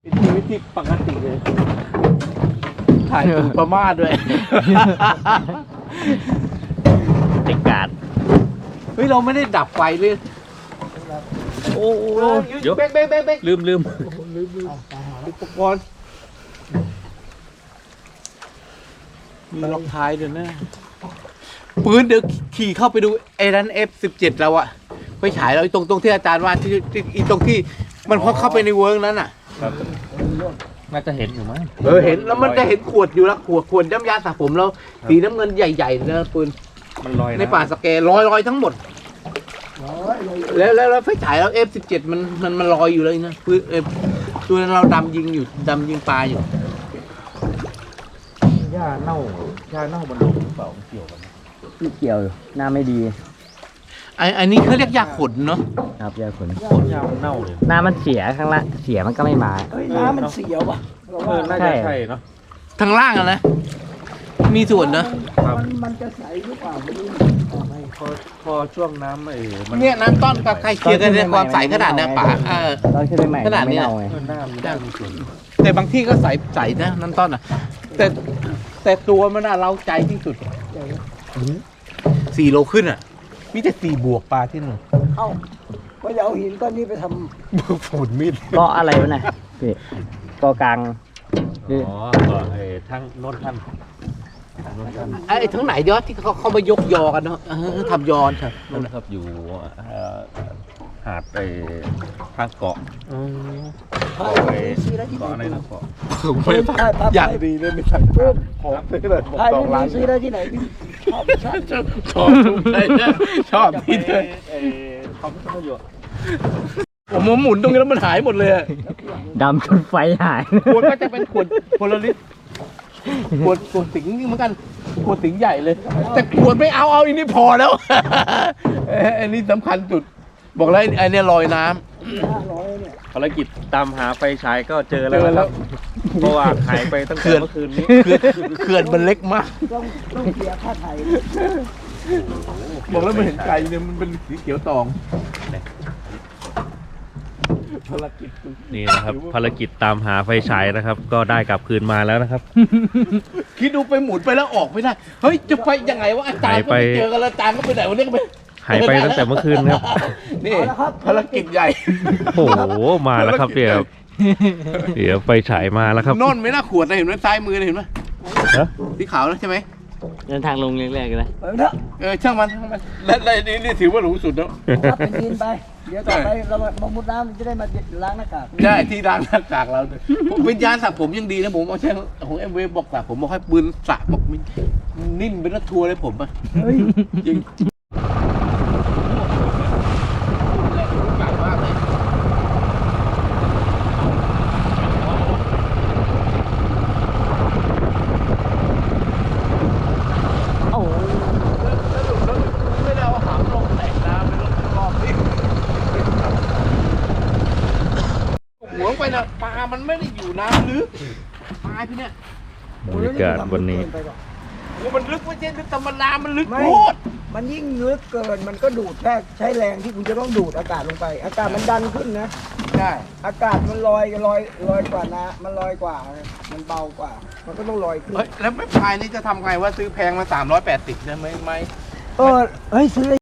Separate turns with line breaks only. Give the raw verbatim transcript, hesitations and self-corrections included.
เป็นชีวิตที่ปกติเลยถ่ายถึงประมาทด้วยติกาดเฮ้ยเราไม่ได้ดับไฟเลยโอ้โหเดี๋ยวเบ๊กเบ๊กเบ๊กเบ๊กลืมลืมลืมลืมอุปกรณ์มีล็อกท้ายด้วยนะปืนเดี๋ยวขี่เข้าไปดูไอ้นั้น เอฟ สิบเจ็ด เราอะไปฉายเราตรงตรงที่อาจารย์ว่าที่ที่ตรงที่มันพอเข้าไปในเวิร์กนั้นอะ
น่าจะเห็นอยู่มั้ง
เออเห็นแล้วมันจะเห็นขวดอยู่ละขวดขวดน้ำยาสระผมเราสีน้ำเงินใหญ่ๆนะปืน
มันลอย
ในป่าสแกลอยลอยทั้งหมดแล้วแล้วแล้วไฟฉายเรา เอฟ สิบเจ็ด มันมันมันลอยอยู่เลยนะปืนเอฟตัวนั้นเราดำยิงอยู่ดำยิงปลาอยู่
หญ้าเน่าหญ้าเน่าบนลมหรือเปล่าเกี่ยวกัน
ไม่เกี่ยวหน้าไม่ดี
ไอ้อันนี้เขาเรียกยาขนเนาะ
ครับยาขน
หญ้ามันเน่าเลย
หน้ามันเสียข้างละเสียมันก็ไม่มา
เฮ้ยน้ำมันเสียวป่ะ
เออน่าจะใช่เนาะ
ทางล่างอะนะมีส่วนเนาะ
มันมันจะใสหรือเปล่าไม่รู้
พอพอช่วงน้ำไอ้มัน
เนี่ยน้ำต้นกับใครเคลียร์กันเนี่ยความใสขนาดเนี่ยป่าเออ
ตอนขึ้นใหม่
ขนาดนี้แต่บางที่ก็ใสใสนะน้ำต้นอ่ะแต่แต่ตัวมันน่ะเราใจที่สุดสี่โลขึ้นอ่ะมีแต่สี่บวกปลาที่หนึ่ง
เอ้าก็จะเอาหินก้อนนี้ไปท
ำฝุ่นมีด
ก็อะไรวะน่ะพี่ก็กลาง
อ๋อไอ้ทั้งโน้นท่าน
ไอ้ทั้งไหนยอดที่เขาเขามายกยอกันเนาะทำยอนครับ
นั่นครับอยู่หาดไอ้ทางเกาะ
ำเกาะอะไรเกาะอะไรนะเกาะ
อยากดีเลยไม่ใช่ขอซื้อเลย
ถ่ายรูปซื้อได้ที่ไหนชอบชอบ
ชอบชอบที่เธอ
เขาไม่ต้องอยู่
ผมหมุนตรงนี้แล้วมันหายหมดเลย
ดำจนไฟหาย
ขวดก็จะเป็นขวดโพลาริสขวดขวดสิงห์เหมือนกันขวดสิงห์ใหญ่เลยแต่ขวดไม่เอาเอาอันนี้พอแล้วอันนี้สำคัญสุดบอกแล้วไอ้นี่ลอยน้
ำภารกิจตามหาไฟฉายก็เจอแล้วครับเพราะว่าหายไปตั้งแต่เมื่อคืนนี้
เขื่อนมันเล็กมาก
ต้องต้องเสียค่าไถ่
บอกแล้วมันเห็นไก่เนี่ยมันเป็นสีเขียวตองภารกิจ
นี่นะครับภารกิจตามหาไฟฉายนะครับก็ได้กลับคืนมาแล้วนะครับ
คิดดูไปหมุนไปแล้วออกไม่ได้เฮ้ยจะไปยังไงวะอาจารย์ก็ไม่เจอกันแล้วอาจารย์ก็ไปไหนวันนี้ก็ไป
หายไปตั้งแต่เมื่อคืนครับ
นี่ภารกิจใหญ่
โอ้โหมาแล้วครับเดี๋ยวเดี๋ยวไฟฉายมาแล้วครับ
นอนไม่น่าขวดนะเห็นไหมซ้ายมือเห็นไหมสีขาวนะใช่ไหม
เดินทางลงแรกๆเลย
เออช่างมันช่างมันและและนี่นี่ถือว่าหรูสุดแล้ว
รับเป็นดินไปเดี๋ยวต่อไปเรามามุดน้ำจะได้มาล้างหน้ากาก
ได้ที่ล้างหน้ากากเราวิญญาณสระผมยังดีนะผมเอาใช่ของเอ็มเวฟบอกสระผมบอกให้ปืนสระบอกมันนิ่มเป็นรถทัวร์เลยผมอ่ะจริงหัวไปนะปลามันไม่ได้อยู่น้ำลึกปลาพี่เนี่ย
บรรยากาศวันนี้
โอ้มันลึกไม่ใช่ลึกธรรมดามันลึกโคตร
มันยิ่งลึกเกินมันก็ดูดแค่ใช้แรงที่คุณจะต้องดูดอากาศลงไปอากาศมันดันขึ้นนะ
ใช่
อากาศมันลอยลอยลอยกว่านะมันลอยกว่ามันเบากว่ามันก็ต้องลอยขึ้น
แล้วไม่พายนี่จะทำไงว่าซื้อแพงมาสามร้อยแปดสิบได้ไหมไหม
เออเฮ้ยซื้อ